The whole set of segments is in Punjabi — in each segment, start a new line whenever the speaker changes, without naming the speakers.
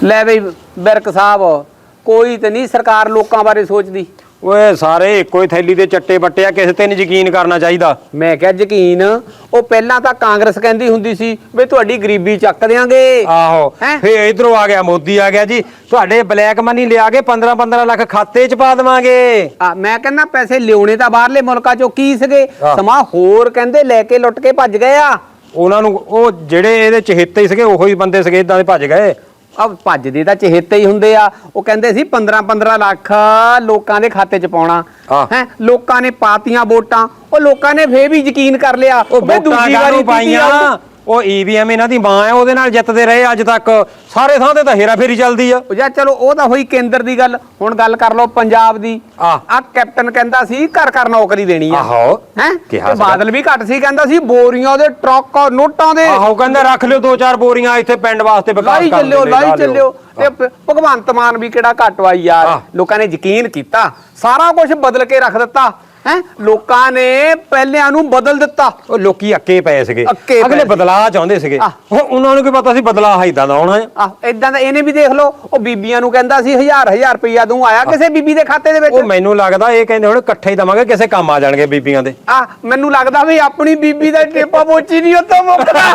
ਲੈ ਬਈ ਬਿਰਕ ਸਾਹਿਬ, ਕੋਈ ਤੇ ਨਹੀਂ ਸਰਕਾਰ ਲੋਕਾਂ ਬਾਰੇ ਸੋਚਦੀ।
ਓਏ ਸਾਰੇ ਇੱਕੋ ਹੀ ਥੈਲੀ ਦੇ ਚੱਟੇ ਬੱਟੇ ਆ, ਕਿਸੇ ਤੇ ਨਹੀਂ ਯਕੀਨ ਕਰਨਾ ਚਾਹੀਦਾ।
ਮੈਂ ਕਿਹਾ ਯਕੀਨ, ਉਹ ਪਹਿਲਾਂ ਤਾਂ ਕਾਂਗਰਸ ਕਹਿੰਦੀ ਹੁੰਦੀ ਸੀ ਵੀ ਤੁਹਾਡੀ ਗਰੀਬੀ ਚੱਕ ਦਿਆਂਗੇ।
ਆਹੋ,
ਹੈਂ?
ਫੇਰ ਇਧਰੋਂ ਆ ਗਿਆ ਮੋਦੀ, ਆ ਗਿਆ ਜੀ ਤੁਹਾਡੇ ਬਲੈਕ ਮਨੀ ਲਿਆ ਕੇ 15-15 ਲੱਖ ਖਾਤੇ 'ਚ ਪਾ ਦੇਵਾਂਗੇ।
ਮੈਂ ਕਹਿੰਦਾ ਪੈਸੇ ਲਿਆਉਣੇ ਤਾਂ ਬਾਹਰਲੇ ਮੁਲਕਾਂ ਚੋਂ ਕੀ ਸੀਗੇ,
ਆਹ।
ਸਮਾਂ ਹੋਰ ਕਹਿੰਦੇ ਲੈ ਕੇ ਲੁੱਟ ਕੇ ਭੱਜ ਗਏ ਆ।
ਉਹਨਾਂ ਨੂੰ ਉਹ ਜਿਹੜੇ ਇਹਦੇ ਚਹੇਤੇ ਹੀ ਸੀਗੇ ਉਹੀ ਬੰਦੇ ਸੀਗੇ, ਇਦਾਂ ਦੇ ਭੱਜ ਗਏ।
ਭੱਜਦੇ ਤਾਂ ਚਹੇਤੇ ਹੀ ਹੁੰਦੇ ਆ। ਉਹ ਕਹਿੰਦੇ ਸੀ 15-15 ਲੱਖ ਲੋਕਾਂ ਦੇ ਖਾਤੇ 'ਚ ਪਾਉਣਾ ਹੈ, ਲੋਕਾਂ ਨੇ ਪਾਤੀਆਂ ਵੋਟਾਂ, ਉਹ ਲੋਕਾਂ ਨੇ ਫੇਰ ਵੀ ਯਕੀਨ ਕਰ ਲਿਆ।
ਉਹ ਦੂਜੀ ਵਾਰੀ ਪਾਈਆਂ, ਉਹ ਈਵੀਐਮ ਇਹਨਾਂ ਦੀ ਮਾਂ ਹੈ, ਉਹਦੇ ਨਾਲ ਜਿੱਤਦੇ ਰਹੇ ਅੱਜ ਤੱਕ। ਸਾਰੇ ਥਾਂ ਤੇ ਤਾਂ ਹੇਰਾ ਫੇਰੀ ਚੱਲਦੀ ਆ।
ਜਾਂ ਚਲੋ ਉਹ ਤਾਂ ਹੋਈ ਕੇਂਦਰ ਦੀ ਗੱਲ, ਹੁਣ ਗੱਲ ਕਰ ਲਓ ਪੰਜਾਬ ਦੀ। ਆ ਕੈਪਟਨ ਕਹਿੰਦਾ ਸੀ ਘਰ ਘਰ ਨੌਕਰੀ ਦੇਣੀ ਆ।
ਆਹੋ
ਹੈ,
ਕਿਹਾ
ਬਾਦਲ ਵੀ ਘੱਟ ਸੀ, ਕਹਿੰਦਾ ਸੀ ਬੋਰੀਆਂ ਦੇ ਟਰੱਕ ਨੋਟਾਂ ਦੇ।
ਆਹੋ, ਕਹਿੰਦਾ ਰੱਖ ਲਿਓ 2-4 ਬੋਰੀਆਂ ਇੱਥੇ ਪਿੰਡ ਵਾਸਤੇ
ਲਾਈ ਚੱਲਿਓ। ਤੇ ਭਗਵੰਤ ਮਾਨ ਵੀ ਕਿਹੜਾ ਘੱਟ ਵਾ ਯਾਰ, ਲੋਕਾਂ ਨੇ ਯਕੀਨ ਕੀਤਾ, ਸਾਰਾ ਕੁਝ ਬਦਲ ਕੇ ਰੱਖ ਦਿੱਤਾ ਹੈ। ਲੋਕਾਂ ਨੇ ਪਹਿਲਿਆਂ ਨੂੰ ਬਦਲ ਦਿੱਤਾ।
ਉਹ ਲੋਕੀ ਅੱਕੇ ਪਏ ਸੀਗੇ,
ਅੱਕੇ
ਅਗਲੇ
ਪਏ
ਬਦਲਾਅ ਚਾਹੁੰਦੇ ਸੀਗੇ। ਉਹਨਾਂ ਨੂੰ ਕੀ ਪਤਾ ਸੀ ਬਦਲਾਅ ਇਦਾਂ ਦਾ ਆਉਣਾ ਹੈ।
ਇਦਾਂ ਦਾ ਇਹਨੇ ਵੀ ਦੇਖ ਲਓ, ਉਹ ਬੀਬੀਆਂ ਨੂੰ ਕਹਿੰਦਾ ਸੀ 1000 ਰੁਪਇਆ ਦੂੰ, ਆਇਆ ਕਿਸੇ ਬੀਬੀ ਦੇ ਖਾਤੇ ਦੇ ਵਿੱਚ?
ਉਹ ਮੈਨੂੰ ਲੱਗਦਾ ਇਹ ਕਹਿੰਦੇ ਹੁਣ ਇਕੱਠੇ ਹੀ ਦਵਾਂਗੇ, ਕਿਸੇ ਕੰਮ ਆ ਜਾਣਗੇ ਬੀਬੀਆਂ ਦੇ।
ਮੈਨੂੰ ਲੱਗਦਾ ਵੀ ਆਪਣੀ ਬੀਬੀ ਦਾ ਟੇਪਾ ਪੋਚੀ ਨਹੀਂ ਉੱਤੋਂ ਮੁੱਕਦਾ।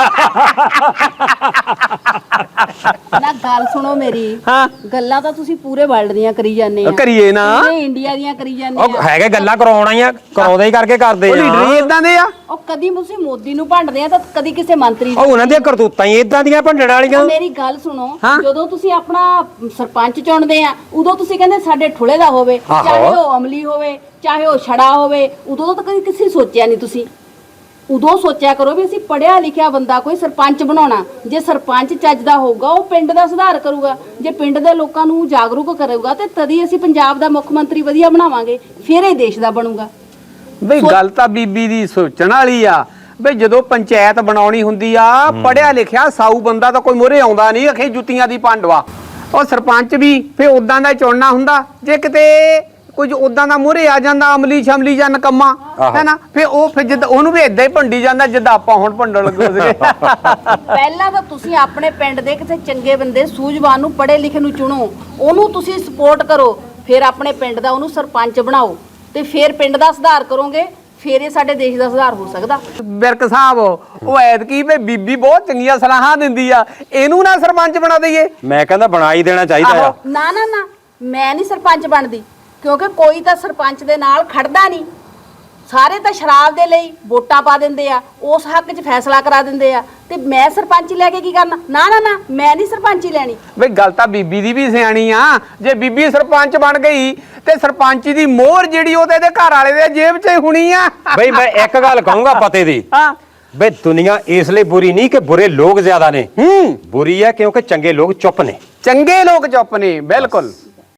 ਨਾ ਗੱਲ ਸੁਣੋ ਮੇਰੀ।
ਹਾਂ,
ਗੱਲਾਂ ਤਾਂ ਤੁਸੀਂ ਪੂਰੇ ਵਰਲਡ ਦੀਆਂ ਕਰੀ ਜਾਂਦੇ ਆ,
ਕਰੀਏ ਨਾ,
ਪੂਰੇ ਇੰਡੀਆ ਦੀਆਂ ਕਰੀ ਜਾਂਦੇ
ਉਹ
ਆ।
ਹੈਗੇ ਗੱਲਾਂ ਕਰਾਉਣਾ ਹੀ ਆ, ਕਰਾਉਂਦੇ ਹੀ ਕਰਕੇ ਕਰਦੇ
ਉਹ ਲੀਡਰ ਹੀ ਇਦਾਂ ਦੇ ਆ।
ਉਹ ਕਦੀ ਤੁਸੀਂ ਮੋਦੀ ਨੂੰ ਭੰਡਦੇ ਆ ਤਾਂ ਕਦੀ ਕਿਸੇ ਮੰਤਰੀ
ਉਹ ਉਹਨਾਂ ਦੀਆਂ ਕਰਤੂਤਾਂ ਹੀ ਇਦਾਂ ਦੀਆਂ ਭੰਡਣ ਵਾਲੀਆਂ।
ਮੇਰੀ ਗੱਲ ਸੁਣੋ, ਜਦੋਂ ਤੁਸੀਂ ਆਪਣਾ ਸਰਪੰਚ ਚੁਣਦੇ ਆ, ਉਦੋਂ ਤੁਸੀਂ ਕਹਿੰਦੇ ਸਾਡੇ ਠੁਲੇ ਦਾ ਹੋਵੇ, ਚਾਹੇ ਉਹ ਅਮਲੀ ਹੋਵੇ, ਚਾਹੇ ਉਹ ਛੜਾ ਹੋਵੇ। ਉਦੋਂ ਤਾਂ ਕਦੀ ਕਿਸੇ ਸੋਚਿਆ ਨਹੀਂ ਤੁਸੀਂ। ਉਦੋਂ ਸੋਚਿਆ ਕਰੋ ਵੀ ਅਸੀਂ ਪੜਿਆ ਲਿਖਿਆ ਬੰਦਾ ਕੋਈ ਸਰਪੰਚ ਬਣਾਉਣਾ। ਜੇ ਸਰਪੰਚ ਚੱਜ ਦਾ ਹੋਊਗਾ, ਉਹ ਪਿੰਡ ਦਾ ਸੁਧਾਰ ਕਰੂਗਾ। ਜੇ ਪਿੰਡ ਦੇ ਲੋਕਾਂ ਨੂੰ ਜਾਗਰੂਕ ਕਰੇਗਾ ਤੇ ਤਦੀ ਅਸੀਂ ਪੰਜਾਬ ਦਾ ਮੁੱਖ ਮੰਤਰੀ ਵਧੀਆ ਬਣਾਵਾਂਗੇ, ਫਿਰ ਇਹ ਦੇਸ਼ ਦਾ ਬਣੂਗਾ।
ਬਈ ਗੱਲ ਤਾਂ ਬੀਬੀ ਦੀ ਸੋਚਣ ਵਾਲੀ ਆ। ਬਈ ਜਦੋਂ ਪੰਚਾਇਤ ਬਣਾਉਣੀ ਹੁੰਦੀ ਆ, ਪੜਿਆ ਲਿਖਿਆ ਸਾਊ ਬੰਦਾ ਤਾਂ ਕੋਈ ਮੋਰੇ ਆਉਂਦਾ ਨਹੀਂ, ਅਖੇ ਜੁੱਤੀਆਂ ਦੀ ਪਾਂਡਵਾ। ਉਹ ਸਰਪੰਚ ਵੀ ਫੇ ਉਦਾਂ ਦਾ ਚੁਣਨਾ ਹੁੰਦਾ। ਜੇ ਕਿਤੇ ਕੁਝ ਉਦਾਂ ਦਾ ਮੋਰੇ ਆ ਜਾਂਦਾ, ਅਮਲੀ ਸ਼ਮਲੀ ਜਾਂ ਨਕਮਾ ਹੈ ਨਾ, ਫੇ ਉਹ ਫਿਰ ਜਿੱਦਾਂ ਉਹਨੂੰ ਵੀ ਏਦਾਂ ਹੀ ਭੰਡੀ ਜਾਂਦਾ ਜਿੱਦਾਂ ਆਪਾਂ ਹੁਣ ਭੰਡਣ ਲੱਗੇ ਸੀਗੇ।
ਪਹਿਲਾਂ ਤਾਂ ਤੁਸੀਂ ਆਪਣੇ ਪਿੰਡ ਦੇ ਕਿਸੇ ਚੰਗੇ ਬੰਦੇ, ਸੂਝਵਾਨ ਨੂੰ, ਪੜ੍ਹੇ ਲਿਖੇ ਨੂੰ ਚੁਣੋ, ਉਹਨੂੰ ਤੁਸੀਂ ਸਪੋਰਟ ਕਰੋ, ਫਿਰ ਆਪਣੇ ਪਿੰਡ ਦਾ ਉਹਨੂੰ ਸਰਪੰਚ ਬਣਾਓ, ਤੇ ਫਿਰ ਪਿੰਡ ਦਾ ਸੁਧਾਰ ਕਰੋਗੇ, ਫਿਰ ਇਹ ਸਾਡੇ ਦੇਸ਼ ਦਾ ਸੁਧਾਰ ਹੋ ਸਕਦਾ।
ਬਿਰਕ ਸਾਹਿਬ, ਉਹ ਐਤਕੀ ਵੀ ਬੀਬੀ ਬਹੁਤ ਚੰਗੀਆਂ ਸਲਾਹਾਂ ਦਿੰਦੀ ਆ, ਇਹਨੂੰ ਨਾ ਸਰਪੰਚ ਬਣਾ ਦਈਏ।
ਮੈਂ ਕਹਿੰਦਾ ਬਣਾ ਹੀ ਦੇਣਾ ਚਾਹੀਦਾ ਆ।
ਨਾ ਨਾ ਨਾ, ਮੈਂ ਨਹੀਂ ਸਰਪੰਚ ਬਣਦੀ, ਕਿਉਂਕਿ ਕੋਈ ਤਾਂ ਸਰਪੰਚ ਦੇ ਨਾਲ ਖੜਦਾ ਨਹੀਂ। ਸਾਰੇ ਤਾਂ ਸ਼ਰਾਬ ਦੇ ਲਈ ਵੋਟਾਂ ਪਾ ਦਿੰਦੇ ਆ, ਉਸ ਹੱਕ 'ਚ ਫੈਸਲਾ ਕਰਾ ਦਿੰਦੇ ਆ, ਤੇ ਮੈਂ ਸਰਪੰਚ ਲੈ ਕੇ ਕੀ ਕਰਨਾ? ਨਾ ਨਾ ਨਾ, ਮੈਂ ਨਹੀਂ ਸਰਪੰਚੀ ਲੈਣੀ।
ਬਈ ਗੱਲ ਤਾਂ ਬੀਬੀ ਦੀ ਵੀ ਸਿਆਣੀ ਆ। ਜੇ ਬੀਬੀ ਸਰਪੰਚ ਬਣ ਗਈ ਤੇ ਸਰਪੰਚੀ ਦੀ ਮੋਹਰ ਜਿਹੜੀ ਉਹ ਤੇ ਇਹਦੇ ਘਰ ਵਾਲੇ ਦੇ ਜੇਬ 'ਚ ਹੀ ਹੋਣੀ ਆ।
ਬਈ ਮੈਂ ਇੱਕ ਗੱਲ ਕਹੂੰਗਾ ਪਤੇ ਦੀ, ਬਈ ਦੁਨੀਆ ਇਸ ਲਈ ਬੁਰੀ ਨਹੀਂ ਕਿ ਬੁਰੇ ਲੋਕ ਜ਼ਿਆਦਾ ਨੇ, ਬੁਰੀ ਹੈ ਕਿਉਂਕਿ ਚੰਗੇ ਲੋਕ ਚੁੱਪ ਨੇ।
ਚੰਗੇ ਲੋਕ ਚੁੱਪ ਨੇ, ਬਿਲਕੁਲ।